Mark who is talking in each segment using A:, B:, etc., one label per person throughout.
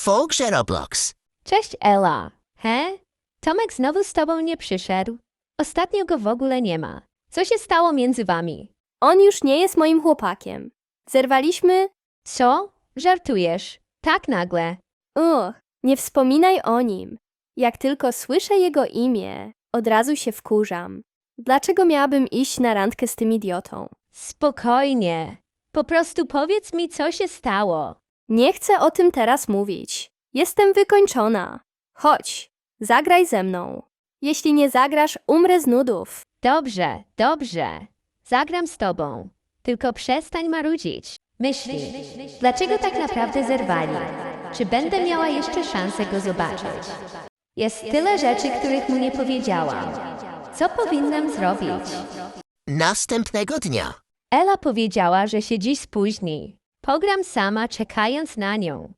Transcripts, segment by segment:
A: W grze Roblox.
B: Cześć Ela. He? Tomek znowu z tobą nie przyszedł? Ostatnio go w ogóle nie ma. Co się stało między wami?
C: On już nie jest moim chłopakiem. Zerwaliśmy?
B: Co? Żartujesz? Tak nagle.
C: Nie wspominaj o nim. Jak tylko słyszę jego imię, od razu się wkurzam. Dlaczego miałabym iść na randkę z tym idiotą?
B: Spokojnie. Po prostu powiedz mi, co się stało.
C: Nie chcę o tym teraz mówić. Jestem wykończona. Chodź, zagraj ze mną. Jeśli nie zagrasz, umrę z nudów.
B: Dobrze, dobrze. Zagram z tobą. Tylko przestań marudzić. Myśli, dlaczego tak naprawdę zerwali? Czy będę miała jeszcze szansę go zobaczyć? Jest tyle rzeczy, których mu nie powiedziałam. Co powinnam zrobić?
A: Następnego dnia.
B: Ela powiedziała, że się dziś spóźni. Pogram sama, czekając na nią.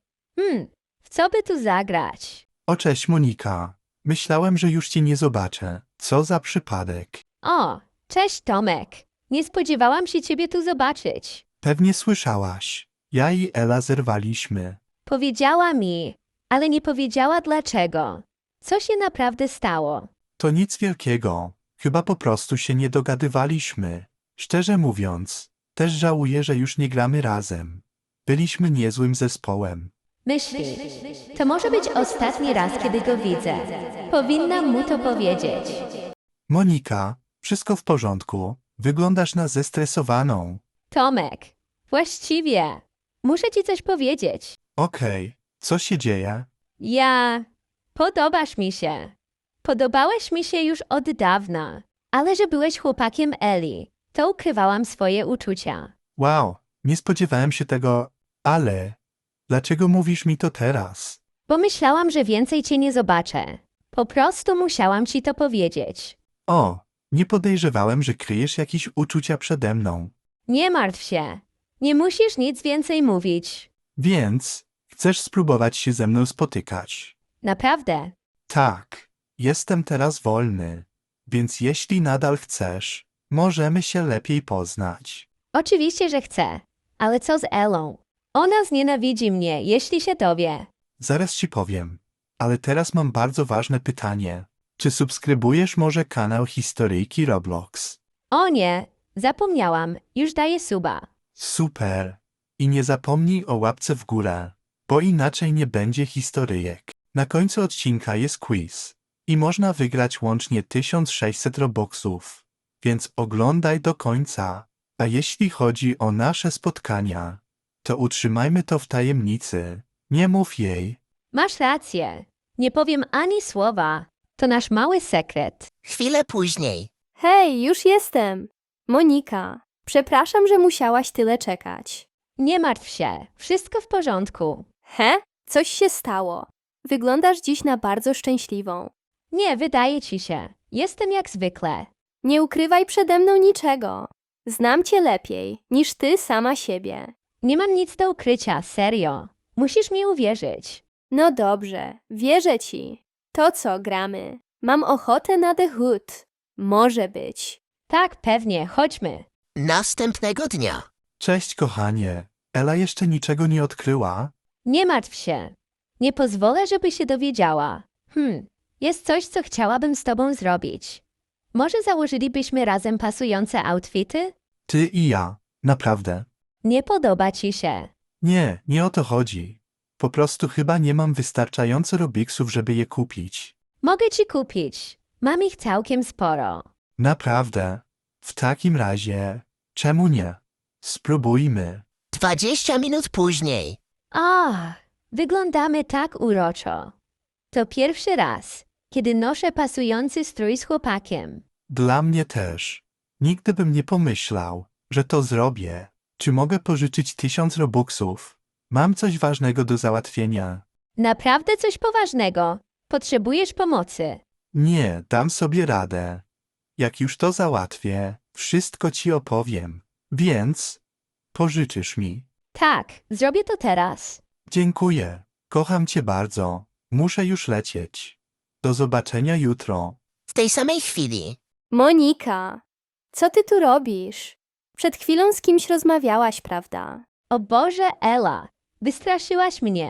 B: W co by tu zagrać?
D: O, cześć Monika. Myślałem, że już cię nie zobaczę. Co za przypadek.
B: O, cześć Tomek. Nie spodziewałam się ciebie tu zobaczyć.
D: Pewnie słyszałaś. Ja i Ela zerwaliśmy.
B: Powiedziała mi, ale nie powiedziała dlaczego. Co się naprawdę stało?
D: To nic wielkiego. Chyba po prostu się nie dogadywaliśmy. Szczerze mówiąc, też żałuję, że już nie gramy razem. Byliśmy niezłym zespołem.
B: Myśli, to może być ostatni raz, kiedy go widzę. Powinnam mu to powiedzieć.
D: Monika, wszystko w porządku. Wyglądasz na zestresowaną.
B: Tomek, właściwie, muszę ci coś powiedzieć.
D: Okej, co się dzieje?
B: Podobasz mi się. Podobałeś mi się już od dawna, ale że byłeś chłopakiem Eli, to ukrywałam swoje uczucia.
D: Wow, nie spodziewałem się tego, ale dlaczego mówisz mi to teraz?
B: Bo myślałam, że więcej cię nie zobaczę. Po prostu musiałam ci to powiedzieć.
D: O, nie podejrzewałem, że kryjesz jakieś uczucia przede mną.
B: Nie martw się. Nie musisz nic więcej mówić.
D: Więc chcesz spróbować się ze mną spotykać?
B: Naprawdę.
D: Tak, jestem teraz wolny, więc jeśli nadal chcesz, możemy się lepiej poznać.
B: Oczywiście, że chcę. Ale co z Elą? Ona znienawidzi mnie, jeśli się dowie.
D: Zaraz ci powiem, ale teraz mam bardzo ważne pytanie. Czy subskrybujesz może kanał Historyjki Roblox?
B: O nie, zapomniałam. Już daję suba.
D: Super! I nie zapomnij o łapce w górę, bo inaczej nie będzie historyjek. Na końcu odcinka jest quiz i można wygrać łącznie 1600 Robuxów, więc oglądaj do końca. A jeśli chodzi o nasze spotkania, to utrzymajmy to w tajemnicy. Nie mów jej.
B: Masz rację. Nie powiem ani słowa. To nasz mały sekret.
A: Chwilę później.
C: Hej, już jestem. Monika, przepraszam, że musiałaś tyle czekać.
B: Nie martw się. Wszystko w porządku.
C: Coś się stało. Wyglądasz dziś na bardzo szczęśliwą.
B: Nie, wydaje ci się. Jestem jak zwykle.
C: Nie ukrywaj przede mną niczego. Znam cię lepiej niż ty sama siebie.
B: Nie mam nic do ukrycia, serio. Musisz mi uwierzyć.
C: No dobrze, wierzę ci. To co, gramy? Mam ochotę na The Hood. Może być.
B: Tak, pewnie, chodźmy.
A: Następnego dnia.
D: Cześć kochanie, Ela jeszcze niczego nie odkryła?
B: Nie martw się. Nie pozwolę, żeby się dowiedziała. Jest coś, co chciałabym z tobą zrobić. Może założylibyśmy razem pasujące outfity?
D: Ty i ja, naprawdę.
B: Nie podoba ci się.
D: Nie, nie o to chodzi. Po prostu chyba nie mam wystarczająco Robuxów, żeby je kupić.
B: Mogę ci kupić. Mam ich całkiem sporo.
D: Naprawdę. W takim razie, czemu nie? Spróbujmy.
A: 20 minut później.
B: Wyglądamy tak uroczo. To pierwszy raz, kiedy noszę pasujący strój z chłopakiem.
D: Dla mnie też. Nigdy bym nie pomyślał, że to zrobię. Czy mogę pożyczyć 1000 Robuxów? Mam coś ważnego do załatwienia.
B: Naprawdę coś poważnego. Potrzebujesz pomocy.
D: Nie, dam sobie radę. Jak już to załatwię, wszystko ci opowiem. Więc pożyczysz mi.
B: Tak, zrobię to teraz.
D: Dziękuję. Kocham cię bardzo. Muszę już lecieć. Do zobaczenia jutro.
A: W tej samej chwili.
C: Monika, co ty tu robisz? Przed chwilą z kimś rozmawiałaś, prawda?
B: O Boże, Ela, wystraszyłaś mnie.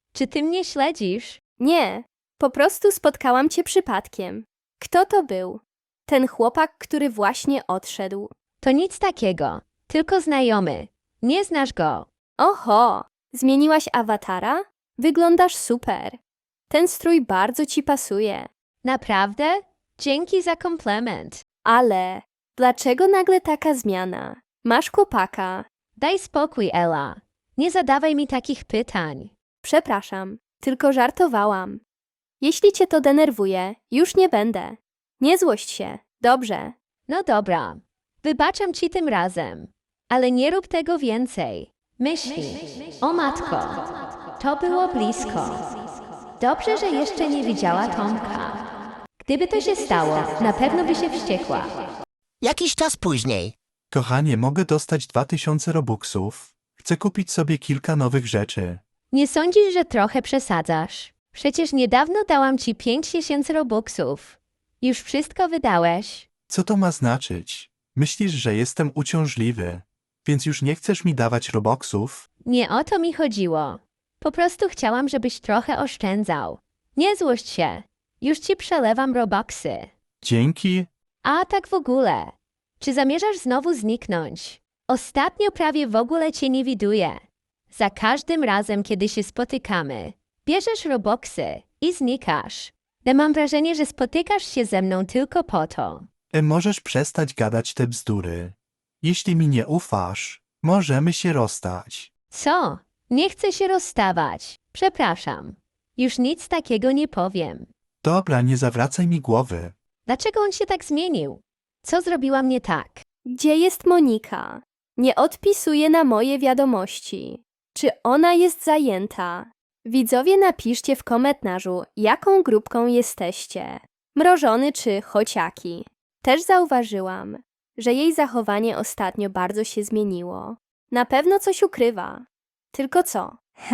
B: Czy ty mnie śledzisz?
C: Nie, po prostu spotkałam cię przypadkiem. Kto to był? Ten chłopak, który właśnie odszedł.
B: To nic takiego, tylko znajomy. Nie znasz go.
C: Oho, zmieniłaś awatara? Wyglądasz super. Ten strój bardzo ci pasuje.
B: Naprawdę? Dzięki za komplement.
C: Ale dlaczego nagle taka zmiana? Masz chłopaka.
B: Daj spokój, Ela. Nie zadawaj mi takich pytań.
C: Przepraszam, tylko żartowałam. Jeśli cię to denerwuje, już nie będę. Nie złość się, dobrze?
B: No dobra, wybaczam ci tym razem, ale nie rób tego więcej. Myśli, o matko, to było blisko. Dobrze, że jeszcze nie widziała Tomka. Gdyby to się stało, na pewno by się wściekła.
A: Jakiś czas później.
D: Kochanie, mogę dostać 2000 robuxów? Chcę kupić sobie kilka nowych rzeczy.
B: Nie sądzisz, że trochę przesadzasz? Przecież niedawno dałam ci 5000 robuxów. Już wszystko wydałeś.
D: Co to ma znaczyć? Myślisz, że jestem uciążliwy, więc już nie chcesz mi dawać robuxów?
B: Nie o to mi chodziło. Po prostu chciałam, żebyś trochę oszczędzał. Nie złość się. Już ci przelewam robuxy.
D: Dzięki.
B: A tak w ogóle. Czy zamierzasz znowu zniknąć? Ostatnio prawie w ogóle cię nie widuję. Za każdym razem, kiedy się spotykamy, bierzesz robuxy i znikasz. Ale mam wrażenie, że spotykasz się ze mną tylko po to.
D: Możesz przestać gadać te bzdury. Jeśli mi nie ufasz, możemy się rozstać.
B: Co? Nie chcę się rozstawać. Przepraszam. Już nic takiego nie powiem.
D: Dobra, nie zawracaj mi głowy.
B: Dlaczego on się tak zmienił? Co zrobiłam nie tak?
C: Gdzie jest Monika? Nie odpisuje na moje wiadomości. Czy ona jest zajęta? Widzowie, napiszcie w komentarzu, jaką grupką jesteście. Mrożony czy chociaki. Też zauważyłam, że jej zachowanie ostatnio bardzo się zmieniło. Na pewno coś ukrywa. Tylko co?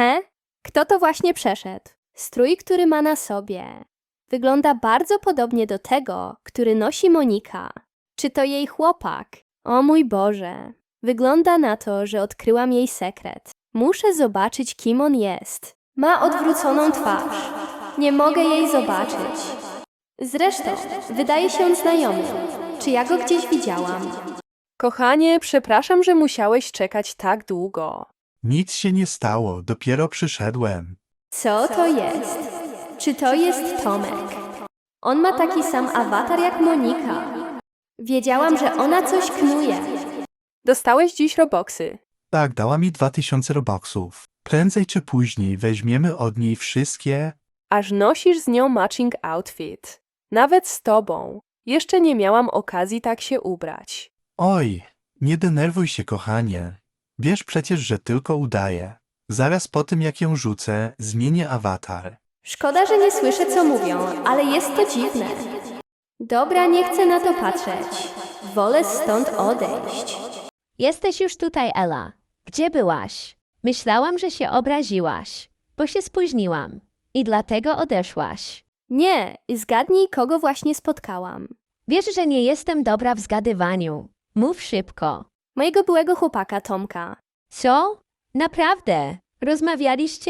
C: Kto to właśnie przeszedł? Strój, który ma na sobie. Wygląda bardzo podobnie do tego, który nosi Monika. Czy to jej chłopak? O mój Boże. Wygląda na to, że odkryłam jej sekret. Muszę zobaczyć, kim on jest. Ma odwróconą twarz. Nie mogę jej zobaczyć. Zresztą, wydaje się on znajomy. Czy ja go gdzieś widziałam?
E: Kochanie, przepraszam, że musiałeś czekać tak długo.
D: Nic się nie stało, dopiero przyszedłem.
C: Co to jest? Czy to jest Tomek? On ma taki sam awatar jak Monika. Wiedziałam, że ona coś knuje.
E: Dostałeś dziś robuxy.
D: Tak, dała mi 2000 robuxów. Prędzej czy później weźmiemy od niej wszystkie.
E: Aż nosisz z nią matching outfit. Nawet z tobą. Jeszcze nie miałam okazji tak się ubrać.
D: Oj, nie denerwuj się, kochanie. Wiesz przecież, że tylko udaję. Zaraz po tym, jak ją rzucę, zmienię awatar.
C: Szkoda, że nie słyszę, co mówią, ale jest to dziwne. Dobra, nie chcę na to patrzeć. Wolę stąd odejść.
B: Jesteś już tutaj, Ela. Gdzie byłaś? Myślałam, że się obraziłaś, bo się spóźniłam i dlatego odeszłaś.
C: Nie, zgadnij, kogo właśnie spotkałam.
B: Wiesz, że nie jestem dobra w zgadywaniu. Mów szybko.
C: Mojego byłego chłopaka Tomka.
B: Co? Naprawdę? Rozmawialiście?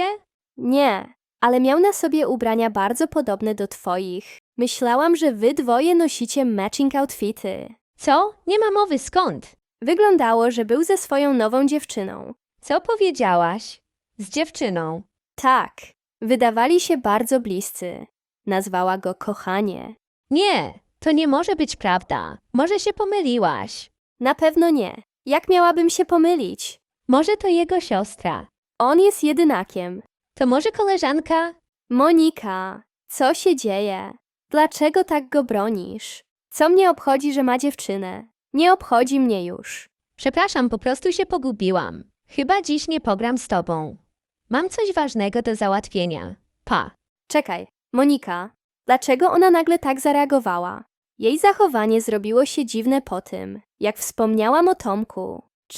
C: Nie, ale miał na sobie ubrania bardzo podobne do twoich. Myślałam, że wy dwoje nosicie matching outfity.
B: Co? Nie ma mowy, skąd?
C: Wyglądało, że był ze swoją nową dziewczyną.
B: Co powiedziałaś? Z dziewczyną.
C: Tak, wydawali się bardzo bliscy. Nazwała go kochanie.
B: Nie, to nie może być prawda. Może się pomyliłaś.
C: Na pewno nie. Jak miałabym się pomylić?
B: Może to jego siostra.
C: On jest jedynakiem.
B: To może koleżanka?
C: Monika, co się dzieje? Dlaczego tak go bronisz? Co mnie obchodzi, że ma dziewczynę? Nie obchodzi mnie już.
B: Przepraszam, po prostu się pogubiłam. Chyba dziś nie pogram z tobą. Mam coś ważnego do załatwienia. Pa.
C: Czekaj, Monika, dlaczego ona nagle tak zareagowała? Jej zachowanie zrobiło się dziwne po tym, jak wspomniałam o Tomku.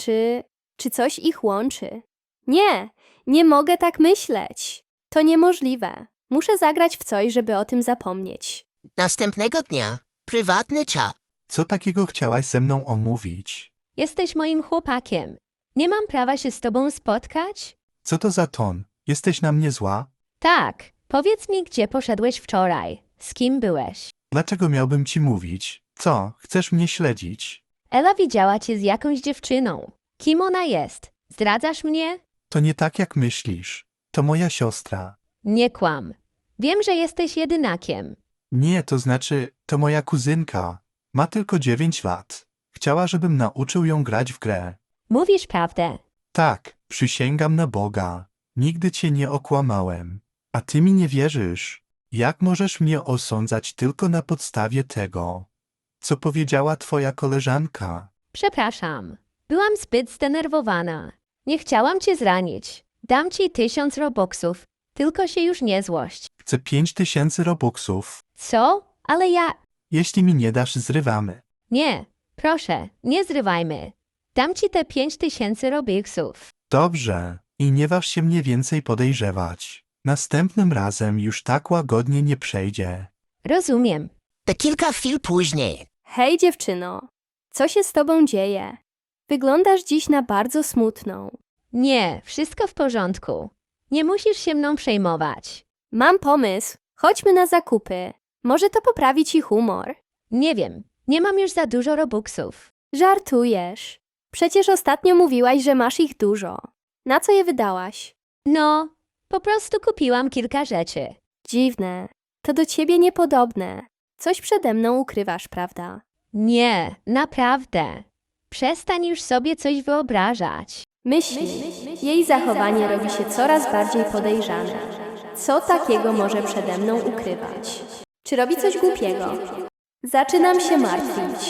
C: Czy coś ich łączy? Nie, nie mogę tak myśleć. To niemożliwe. Muszę zagrać w coś, żeby o tym zapomnieć.
A: Następnego dnia. Prywatny czat.
D: Co takiego chciałaś ze mną omówić?
B: Jesteś moim chłopakiem. Nie mam prawa się z tobą spotkać?
D: Co to za ton? Jesteś na mnie zła?
B: Tak, powiedz mi, gdzie poszedłeś wczoraj. Z kim byłeś?
D: Dlaczego miałbym ci mówić? Co, chcesz mnie śledzić?
B: Ela widziała cię z jakąś dziewczyną. Kim ona jest? Zdradzasz mnie?
D: To nie tak jak myślisz. To moja siostra.
B: Nie kłam. Wiem, że jesteś jedynakiem.
D: Nie, to znaczy, to moja kuzynka. Ma tylko 9 lat. Chciała, żebym nauczył ją grać w grę.
B: Mówisz prawdę.
D: Tak, przysięgam na Boga. Nigdy cię nie okłamałem. A ty mi nie wierzysz. Jak możesz mnie osądzać tylko na podstawie tego, co powiedziała twoja koleżanka?
B: Przepraszam. Byłam zbyt zdenerwowana. Nie chciałam cię zranić. Dam ci 1000 robuxów. Tylko się już nie złość.
D: Chcę 5000 robuxów.
B: Co? Ale ja...
D: Jeśli mi nie dasz, zrywamy.
B: Nie. Proszę, nie zrywajmy. Dam ci te 5000 robuxów.
D: Dobrze. I nie waż się mnie więcej podejrzewać. Następnym razem już tak łagodnie nie przejdzie.
B: Rozumiem.
A: To kilka chwil później.
C: Hej dziewczyno, co się z tobą dzieje? Wyglądasz dziś na bardzo smutną.
B: Nie, wszystko w porządku. Nie musisz się mną przejmować.
C: Mam pomysł, chodźmy na zakupy. Może to poprawi ci humor.
B: Nie wiem, nie mam już za dużo robuxów.
C: Żartujesz. Przecież ostatnio mówiłaś, że masz ich dużo. Na co je wydałaś?
B: No, po prostu kupiłam kilka rzeczy.
C: Dziwne. To do ciebie niepodobne. Coś przede mną ukrywasz, prawda?
B: Nie, naprawdę. Przestań już sobie coś wyobrażać.
C: Myśli. Jej zachowanie robi się coraz bardziej podejrzane. Co takiego może przede mną ukrywać? Czy robi coś głupiego? Zaczynam się martwić.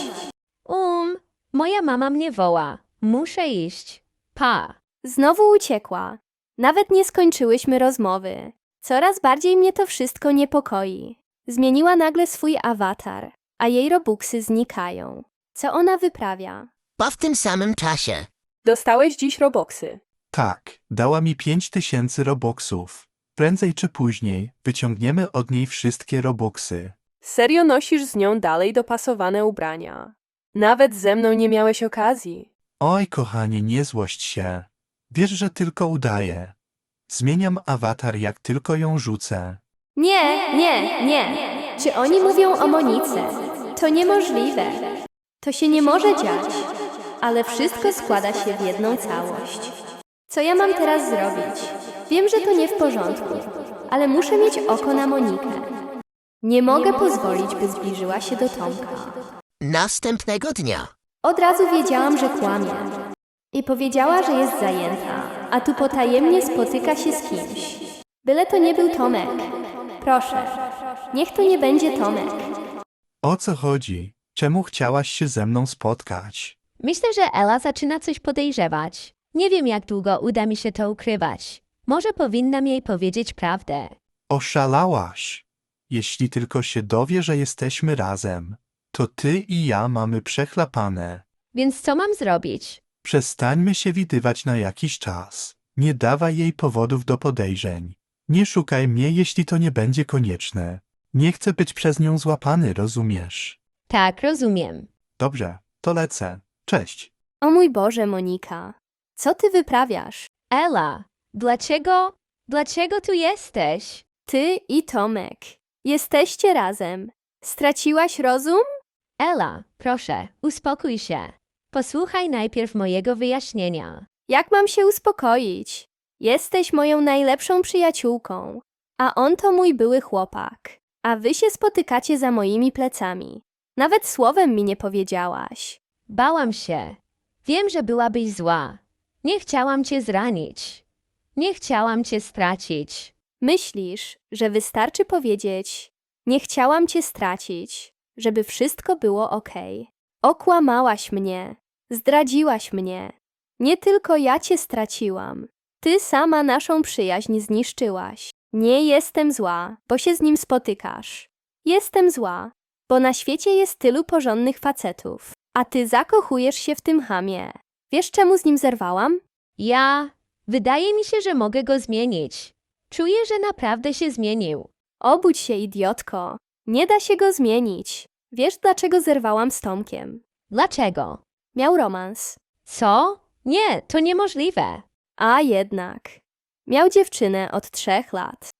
B: Moja mama mnie woła. Muszę iść. Pa.
C: Znowu uciekła. Nawet nie skończyłyśmy rozmowy. Coraz bardziej mnie to wszystko niepokoi. Zmieniła nagle swój awatar, a jej robuxy znikają. Co ona wyprawia?
A: Po w tym samym czasie.
E: Dostałeś dziś robuxy.
D: Tak, dała mi 5000 robuxów. Prędzej czy później wyciągniemy od niej wszystkie robuxy.
E: Serio nosisz z nią dalej dopasowane ubrania. Nawet ze mną nie miałeś okazji.
D: Oj, kochanie, nie złość się. Wiesz, że tylko udaję. Zmieniam awatar, jak tylko ją rzucę.
C: Nie. Czy oni mówią o Monice? To niemożliwe. To się nie może dziać. Ale wszystko składa się w jedną całość. Co ja mam teraz zrobić? Wiem, że to nie w porządku, ale muszę mieć oko na Monikę. Nie mogę pozwolić, by zbliżyła się do Tomka.
A: Następnego dnia.
C: Od razu wiedziałam, że kłamie. I powiedziała, że jest zajęta, a tu potajemnie spotyka się z kimś. Byle to nie był Tomek. Proszę, niech to nie będzie Tomek.
D: O co chodzi? Czemu chciałaś się ze mną spotkać?
B: Myślę, że Ela zaczyna coś podejrzewać. Nie wiem, jak długo uda mi się to ukrywać. Może powinnam jej powiedzieć prawdę.
D: Oszalałaś. Jeśli tylko się dowie, że jesteśmy razem, to ty i ja mamy przechlapane.
B: Więc co mam zrobić?
D: Przestańmy się widywać na jakiś czas. Nie dawaj jej powodów do podejrzeń. Nie szukaj mnie, jeśli to nie będzie konieczne. Nie chcę być przez nią złapany, rozumiesz?
B: Tak, rozumiem.
D: Dobrze, to lecę. Cześć.
C: O mój Boże, Monika, co ty wyprawiasz?
B: Ela, dlaczego tu jesteś?
C: Ty i Tomek. Jesteście razem. Straciłaś rozum?
B: Ela, proszę, uspokój się. Posłuchaj najpierw mojego wyjaśnienia.
C: Jak mam się uspokoić? Jesteś moją najlepszą przyjaciółką, a on to mój były chłopak. A wy się spotykacie za moimi plecami. Nawet słowem mi nie powiedziałaś.
B: Bałam się. Wiem, że byłabyś zła. Nie chciałam cię zranić. Nie chciałam cię stracić.
C: Myślisz, że wystarczy powiedzieć: nie chciałam cię stracić, żeby wszystko było okej. Okłamałaś mnie, zdradziłaś mnie. Nie tylko ja cię straciłam. Ty sama naszą przyjaźń zniszczyłaś. Nie jestem zła, bo się z nim spotykasz. Jestem zła, bo na świecie jest tylu porządnych facetów, a ty zakochujesz się w tym chamie. Wiesz, czemu z nim zerwałam?
B: Wydaje mi się, że mogę go zmienić. Czuję, że naprawdę się zmienił.
C: Obudź się, idiotko. Nie da się go zmienić. Wiesz, dlaczego zerwałam z Tomkiem?
B: Dlaczego?
C: Miał romans.
B: Co? Nie, to niemożliwe.
C: A jednak. Miał dziewczynę od 3 lat.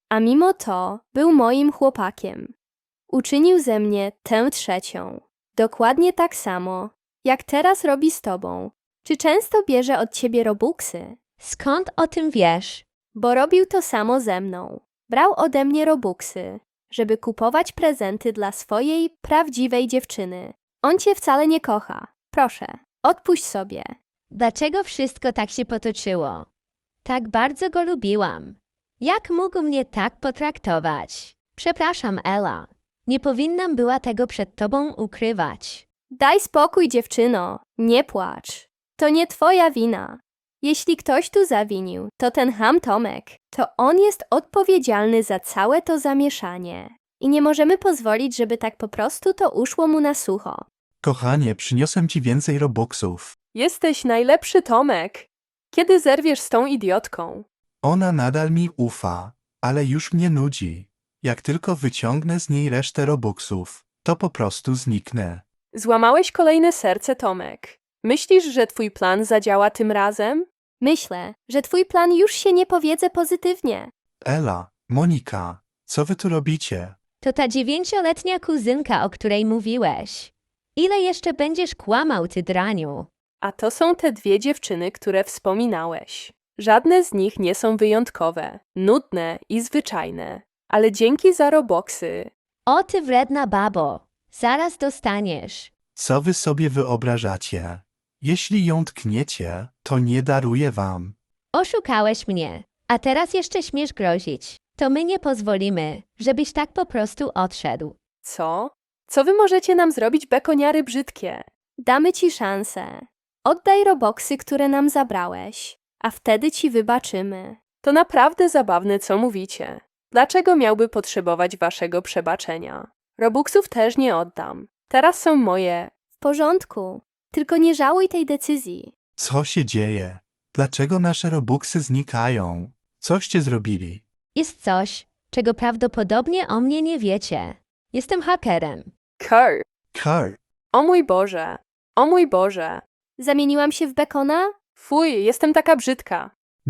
C: a mimo to był moim chłopakiem. Uczynił ze mnie tę trzecią. Dokładnie tak samo, jak teraz robi z tobą. Czy często bierze od ciebie robuxy?
B: Skąd o tym wiesz?
C: Bo robił to samo ze mną. Brał ode mnie robuxy, żeby kupować prezenty dla swojej prawdziwej dziewczyny. On cię wcale nie kocha. Proszę, odpuść sobie.
B: Dlaczego wszystko tak się potoczyło? Tak bardzo go lubiłam. Jak mógł mnie tak potraktować? Przepraszam, Ela. Nie powinnam była tego przed tobą ukrywać.
C: Daj spokój, dziewczyno. Nie płacz. To nie twoja wina. Jeśli ktoś tu zawinił, to ten ham Tomek. To on jest odpowiedzialny za całe to zamieszanie. I nie możemy pozwolić, żeby tak po prostu to uszło mu na sucho.
D: Kochanie, przyniosłem ci więcej robuxów.
E: Jesteś najlepszy, Tomek. Kiedy zerwiesz z tą idiotką?
D: Ona nadal mi ufa, ale już mnie nudzi. Jak tylko wyciągnę z niej resztę robuxów, to po prostu zniknę.
E: Złamałeś kolejne serce, Tomek. Myślisz, że twój plan zadziała tym razem?
C: Myślę, że twój plan już się nie powiedzie pozytywnie.
D: Ela, Monika, co wy tu robicie?
B: To ta 9-letnia kuzynka, o której mówiłeś. Ile jeszcze będziesz kłamał, ty draniu?
E: A to są te dwie dziewczyny, które wspominałeś. Żadne z nich nie są wyjątkowe, nudne i zwyczajne. Ale dzięki za robuxy.
B: O ty wredna babo, zaraz dostaniesz.
D: Co wy sobie wyobrażacie? Jeśli ją tkniecie, to nie daruję wam.
B: Oszukałeś mnie, a teraz jeszcze śmiesz grozić. To my nie pozwolimy, żebyś tak po prostu odszedł.
E: Co? Co wy możecie nam zrobić, bekoniary brzydkie?
C: Damy ci szansę. Oddaj robuxy, które nam zabrałeś, a wtedy ci wybaczymy.
E: To naprawdę zabawne, co mówicie. Dlaczego miałby potrzebować waszego przebaczenia? Robuxów też nie oddam. Teraz są moje.
C: W porządku, tylko nie żałuj tej decyzji.
D: Co się dzieje? Dlaczego nasze robuxy znikają? Coście zrobili?
B: Jest coś, czego prawdopodobnie o mnie nie wiecie. Jestem hakerem.
E: Kurt.
D: Kurt,
E: O mój Boże. O mój Boże.
C: Zamieniłam się w bekona?
E: Fuj, jestem taka brzydka.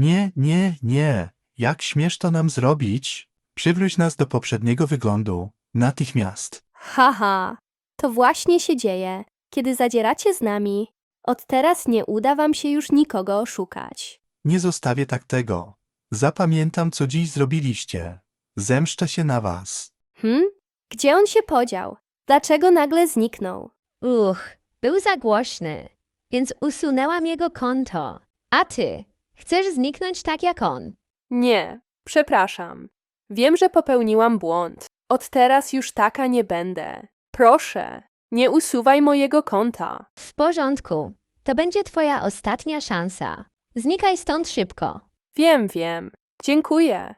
D: nie. Jak śmiesz to nam zrobić? Przywróć nas do poprzedniego wyglądu. Natychmiast.
C: Haha, to właśnie się dzieje, kiedy zadzieracie z nami. Od teraz nie uda wam się już nikogo oszukać.
D: Nie zostawię tak tego. Zapamiętam, co dziś zrobiliście. Zemszczę się na was.
C: Gdzie on się podział? Dlaczego nagle zniknął?
B: Był za głośny, więc usunęłam jego konto. A ty, chcesz zniknąć tak jak on?
E: Nie, przepraszam. Wiem, że popełniłam błąd. Od teraz już taka nie będę. Proszę, nie usuwaj mojego konta.
B: W porządku, to będzie twoja ostatnia szansa. Znikaj stąd szybko.
E: Wiem. Dziękuję.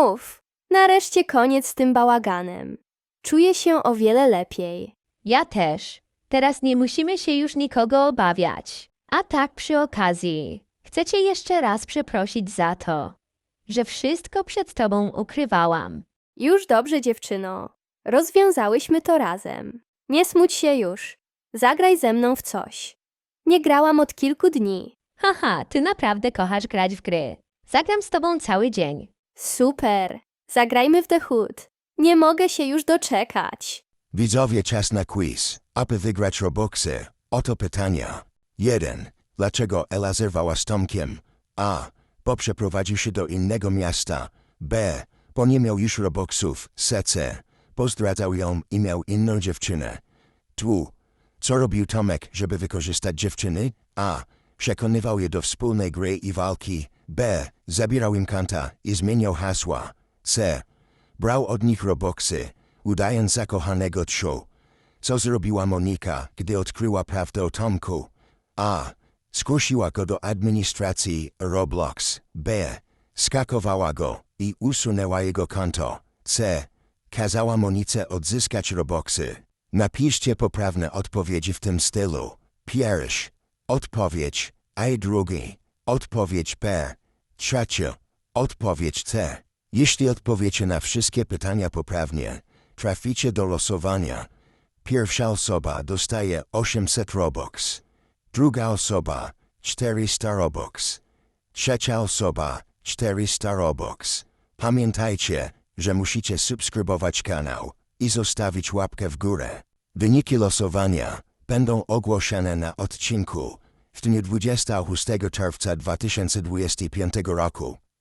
C: Nareszcie koniec z tym bałaganem. Czuję się o wiele lepiej.
B: Ja też. Teraz nie musimy się już nikogo obawiać. A tak przy okazji, chcę cię jeszcze raz przeprosić za to, że wszystko przed tobą ukrywałam.
C: Już dobrze, dziewczyno. Rozwiązałyśmy to razem. Nie smuć się już. Zagraj ze mną w coś. Nie grałam od kilku dni.
B: Haha, ty naprawdę kochasz grać w gry. Zagram z tobą cały dzień.
C: Super. Zagrajmy w The Hood. Nie mogę się już doczekać.
F: Widzowie, czas na quiz. Aby wygrać robuxy, oto pytania. 1. Dlaczego Ela zerwała z Tomkiem? A. Bo przeprowadził się do innego miasta. B. Bo nie miał już robuxów. C. Bo zdradzał ją i miał inną dziewczynę. 2. Co robił Tomek, żeby wykorzystać dziewczyny? A. Przekonywał je do wspólnej gry i walki. B. Zabierał im konta i zmieniał hasła. C. Brał od nich robuxy, udając zakochanego Trzy. Co zrobiła Monika, gdy odkryła prawdę o Tomku? A. Skusiła go do administracji Roblox. B. Skakowała go i usunęła jego konto. C. Kazała Monice odzyskać robuxy. Napiszcie poprawne odpowiedzi w tym stylu. Pierwszy. Odpowiedź A. Drugi. Odpowiedź B. Trzecia. Odpowiedź C. Jeśli odpowiecie na wszystkie pytania poprawnie, traficie do losowania. Pierwsza osoba dostaje 800 Robux. Druga osoba 400 Robux. Trzecia osoba 400 Robux. Pamiętajcie, że musicie subskrybować kanał i zostawić łapkę w górę. Wyniki losowania będą ogłoszone na odcinku w dniu 26 czerwca 2025 roku.